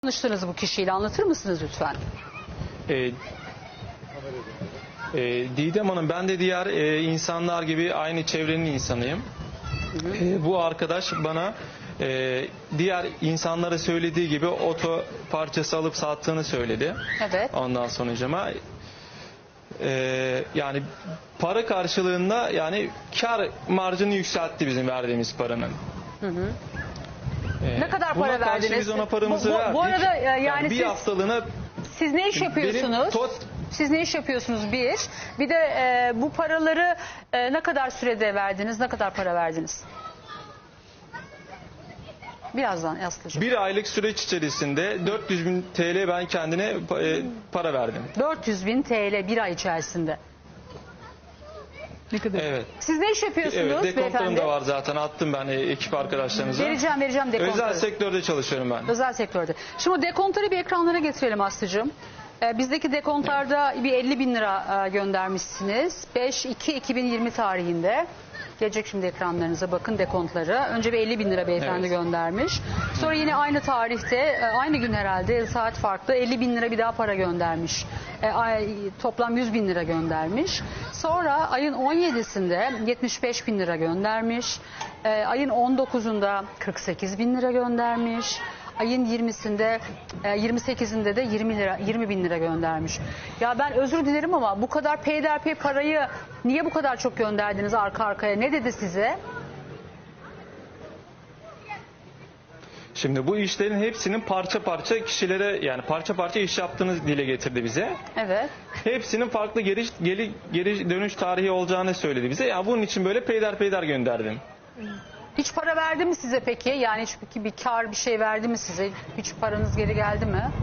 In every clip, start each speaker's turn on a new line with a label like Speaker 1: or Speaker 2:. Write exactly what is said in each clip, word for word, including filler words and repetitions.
Speaker 1: Tanıştınız bu kişiyle, anlatır mısınız lütfen?
Speaker 2: Ee, e, Didem Hanım, ben de diğer e, insanlar gibi aynı çevrenin insanıyım.
Speaker 1: Hı hı.
Speaker 2: E, bu arkadaş bana e, diğer insanlara söylediği gibi oto parçası alıp sattığını söyledi.
Speaker 1: Evet.
Speaker 2: Ondan sonucuma e, yani para karşılığında yani kar marjını yükseltti bizim verdiğimiz paranın.
Speaker 1: Hı hı.
Speaker 2: E,
Speaker 1: Ne kadar
Speaker 2: buna
Speaker 1: para
Speaker 2: karşı
Speaker 1: verdiniz?
Speaker 2: Biz ona paramızı
Speaker 1: Bu- bu-
Speaker 2: verdik.
Speaker 1: bu arada, e, yani
Speaker 2: bir
Speaker 1: siz-
Speaker 2: haftalığına
Speaker 1: Siz ne iş yapıyorsunuz?
Speaker 2: benim tot
Speaker 1: Siz ne iş yapıyorsunuz bir? Bir de e, bu paraları e, ne kadar sürede verdiniz? Ne kadar para verdiniz? Birazdan Aslı'cığım.
Speaker 2: Bir aylık süreç içerisinde dört yüz bin T L ben kendine e, para verdim.
Speaker 1: dört yüz bin T L bir ay içerisinde. Ne kadar?
Speaker 2: Evet.
Speaker 1: Siz ne iş yapıyorsunuz
Speaker 2: Evet, dekontlarım
Speaker 1: beyefendi?
Speaker 2: da var zaten, attım ben e, ekip arkadaşlarımıza.
Speaker 1: Vereceğim vereceğim dekontları.
Speaker 2: Özel sektörde çalışıyorum ben.
Speaker 1: Özel sektörde. Şimdi o dekontları bir ekranlara getirelim Aslı'cığım. Ee, bizdeki dekontlarda bir elli bin lira e, göndermişsiniz. beş iki iki bin yirmi tarihinde. Gelecek şimdi ekranlarınıza, bakın dekontları. Önce bir elli bin lira beyefendi
Speaker 2: Evet.
Speaker 1: göndermiş. Sonra yine aynı tarihte, e, aynı gün herhalde, saat farklı, elli bin lira bir daha para göndermiş. E, ay- toplam yüz bin lira göndermiş. Sonra ayın on yedisinde yetmiş beş bin lira göndermiş. E, ayın on dokuzunda kırk sekiz bin lira göndermiş. Ayın yirmisinde, e, yirmi sekizinde de yirmi lira, yirmi bin lira göndermiş. Ya ben özür dilerim ama bu kadar peyderpey parayı niye bu kadar çok gönderdiniz arka arkaya? Ne dedi size?
Speaker 2: Şimdi bu işlerin hepsinin parça parça kişilere, yani parça parça iş yaptığını dile getirdi bize.
Speaker 1: Evet.
Speaker 2: Hepsinin farklı geri, geri, geri dönüş tarihi olacağını söyledi bize. Ya bunun için böyle peyder peyder gönderdim.
Speaker 1: Hiç para verdi mi size peki? Yani hiç bir, bir kar bir şey verdi mi size? Hiç paranız geri geldi mi?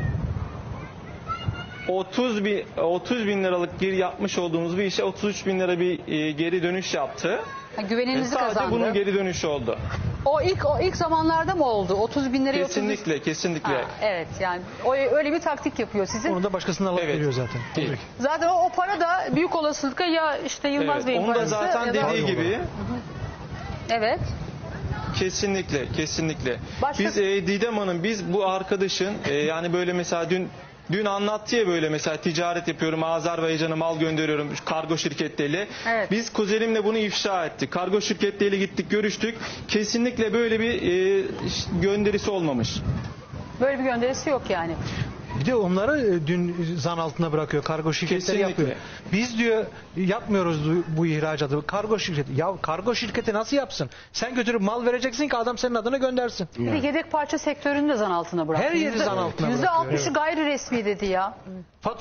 Speaker 2: otuz bin, otuz bin liralık bir yapmış olduğumuz bir işe otuz üç bin lira bir e, geri dönüş yaptı.
Speaker 1: Ha,
Speaker 2: E,
Speaker 1: güveninizi
Speaker 2: sadece
Speaker 1: kazandı.
Speaker 2: bunun geri dönüşü oldu.
Speaker 1: O ilk o ilk zamanlarda mı oldu? otuz bin liraya
Speaker 2: Kesinlikle, kesinlikle.
Speaker 1: Ha, evet, yani o öyle bir taktik yapıyor sizin.
Speaker 3: Onu da başkasına alıp
Speaker 2: Evet.
Speaker 3: veriyor zaten.
Speaker 2: Değil.
Speaker 3: Tabii.
Speaker 1: Zaten o, o para da büyük olasılıkla ya işte Yılmaz
Speaker 2: Evet,
Speaker 1: Bey'in
Speaker 2: onu da
Speaker 1: parası.
Speaker 2: zaten
Speaker 1: ya da-
Speaker 2: dediği gibi.
Speaker 1: Evet.
Speaker 2: Kesinlikle, kesinlikle.
Speaker 1: Başka-
Speaker 2: Biz e, Didem Hanım, biz bu arkadaşın e, yani böyle mesela dün dün anlattı ya, böyle mesela ticaret yapıyorum, Azerbaycan'a mal gönderiyorum kargo şirketleriyle.
Speaker 1: Evet.
Speaker 2: Biz kuzenimle bunu ifşa ettik. Kargo şirketleriyle gittik, görüştük. Kesinlikle böyle bir e, gönderisi olmamış.
Speaker 1: Böyle bir gönderisi yok yani.
Speaker 3: Bir de onları e, dün zan altına bırakıyor. Kargo şirketleri
Speaker 2: Kesinlikle.
Speaker 3: yapıyor. Biz diyor yapmıyoruz bu- bu ihracatı. Kargo şirketi. Ya kargo şirketi nasıl yapsın? Sen götürüp mal vereceksin ki adam senin adına göndersin.
Speaker 1: Bir de yedek parça sektörünü de zan altına bıraktı.
Speaker 3: Her yeri
Speaker 1: Yüzde-
Speaker 3: zan altına
Speaker 1: Yüzde
Speaker 3: bırakıyor,
Speaker 1: altmışı
Speaker 3: evet.
Speaker 1: gayri resmi dedi ya.
Speaker 3: Fatura